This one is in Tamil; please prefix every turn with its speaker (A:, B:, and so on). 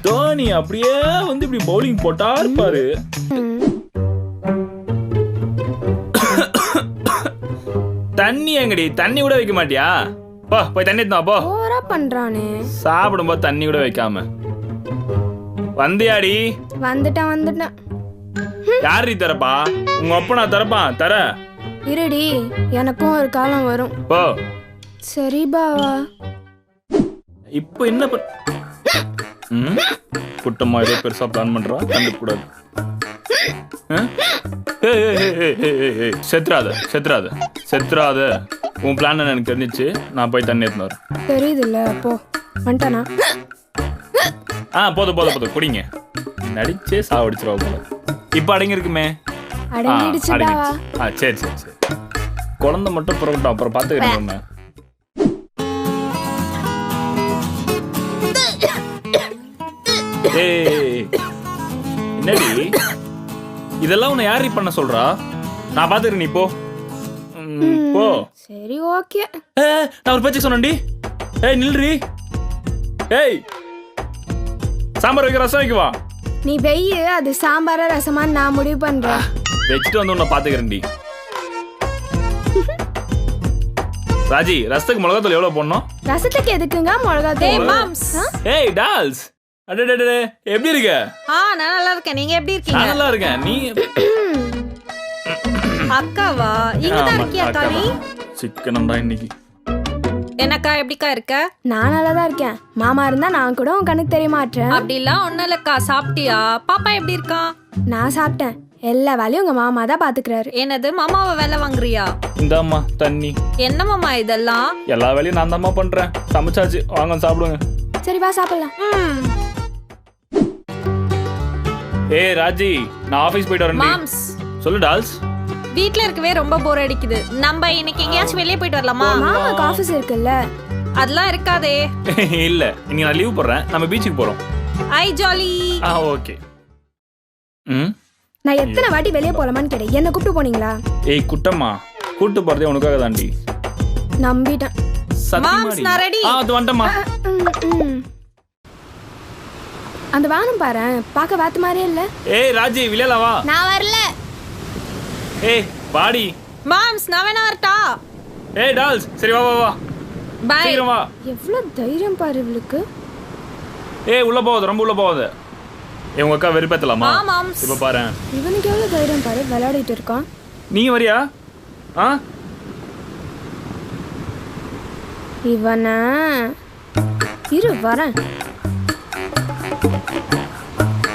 A: தோனி அப்படியே வந்து இப்படி பவுலிங் போட்டா இருப்பாரு. தண்ணி எங்கடி? தண்ணி கூட வைக்க மாட்டியா? போ போய் தண்ணி எடுத்து வா போ.
B: ஓவரா பண்றானே.
A: சாப்பிடும்போது தண்ணி கூட வைக்காம வந்தியாடி?
B: வந்துட்டேன்.
A: யாரு தரப்பா? உங்க அப்பா நான் தரப்பான் தர.
B: இருடி, எனக்கும் ஒரு காலம் வரும்.
A: போ.
B: சரி பாவா.
A: இப்போ என்ன குட்டம்மா ஏதோ பெருசா பிளான் பண்றா, கண்டுக்கூடாது. செத்துறாத. உன் பிளான் எனக்கு தெரிஞ்சிச்சு. நான் போய் தண்ணி எடுத்துன்னு வரேன்.
B: தெரியுதுல்ல, போ. வந்துட்டானா?
A: போதும் குடிங்க. நடிச்சே சாவடிச்சிருவா போல. இப்ப அடங்கி இருக்குமே.
B: அடங்கிடுச்சுடா.
A: சரி குழந்தை மட்டும் புறப்பட்டோம், அப்புறம் பாத்துக்கிறேன். என்னடி இதெல்லாம் உன்னை யாரி பண்ண சொல்றா? நான் பாத்துக்கிறேன், நீ போ.
B: சரி ஓகே.
A: நான் ஒரு பேச்சுக்கு சொன்னேன்டி. நில்றி. சாம்பார் வைக்க ரசம் வைக்குவா.
B: நீ வெய்யு, அது சாம்பார ரசமா நான் முடிவு பண்றேன்.
A: வச்சுட்டு வந்து உன்னை பாத்துக்கிறேன்டி. ராஜி, ரசத்துக்கு மிளகாத்தூள் எவ்வளவு போடணும்?
B: ரசத்துக்கு எதுக்குங்க மிளகாத்தூள்?
A: ஏய் டால்ஸ், அடடடடே எப்படி இருக்க?
C: நான் நல்லா இருக்கேன். நீங்க எப்படி இருக்கீங்க?
A: நான் நல்லா இருக்கேன். நீ
C: அக்காவா? இங்க தான் இருக்கியா அக்கா? நீ
A: சிக்கனம் தான் இன்னைக்கு.
C: என்னக்கா எப்படிக்கா இருக்க?
B: நான் நல்லா தான் இருக்கேன். மாமா இருந்தா நான் கூட உன் கண்ணுக்கு தெரிய மாட்டேன்.
C: அப்படிலாம் ஒண்ணும் இல்லக்கா. சாப்பிட்டியா? பாப்பா எப்படி இருக்கா?
B: நான் சாப்பிட்டேன். எல்லா வேலையும் உங்க மாமா தான் பாத்துக்கிறாரு.
C: என்னது, மாமாவை வேலை வாங்குறியா?
A: இந்தாம்மா தண்ணி.
C: என்ன மாமா இதெல்லாம்?
A: எல்லா வேலையும் நான் தாம்மா பண்றேன். சமைச்சாச்சு, வாங்க சாப்பிடுங்க.
B: சரி வா சாப்பிடலாம்.
A: ராஜி, நான் ஆபீஸ் போயிட்டு வரேன்.
C: மாம்ஸ்,
A: சொல்லு டால்ஸ்.
C: வீட்ல இருக்கவே ரொம்ப போர் அடிக்குது. நம்ம இன்னைக்கு எங்கேயாச்சும் வெளியே போயிட்டு வரலாமா?
B: மாமாக்கு ஆபீஸ் இருக்குல்ல.
C: அதெல்லாம் இருக்காதே.
A: இல்ல, இன்னைக்கு நான் லீவ் போடுறேன். நம்ம பீச்சுக்கு போறோம்.
C: ஐ ஜாலி.
A: ஓகே.
B: நான் எத்தனை வாட்டி வெளியே போலாமான்னு கேட்டேன். என்ன கூப்பிட்டு போனீங்களா?
A: குட்டம்மா, கூட்டு போறதே உனக்காக தாண்டி.
B: நம்பிட்டேன்.
C: மாம்ஸ், நான் ரெடி.
A: அது வந்துட்டமா.
B: அந்த வானம் பாரு, பார்க்க வாத்து மாதிரியே இல்ல.
A: ராஜி, விளையாட வா.
B: நான் வரல.
A: பாடி.
C: மாம்ஸ், நான் வேணா வரட்டா?
A: டால்ஸ், சரி வா வா வா.
C: பை.
A: சீக்கிரம் வா.
B: எவ்வளவு தைரியம் பாரு இவளுக்கு.
A: உள்ள போகாத, ரொம்ப உள்ள போகாத. உங்க அக்கா வெறுப்பேத்தலாமா?
C: மாம்ஸ்,
A: இப்ப பாரு.
B: இவனுக்கு எவ்வளவு தைரியம் பாரு, விளையாடிட்டு இருக்கான்.
A: நீ வரியா?
B: இவனா இரு வரேன்.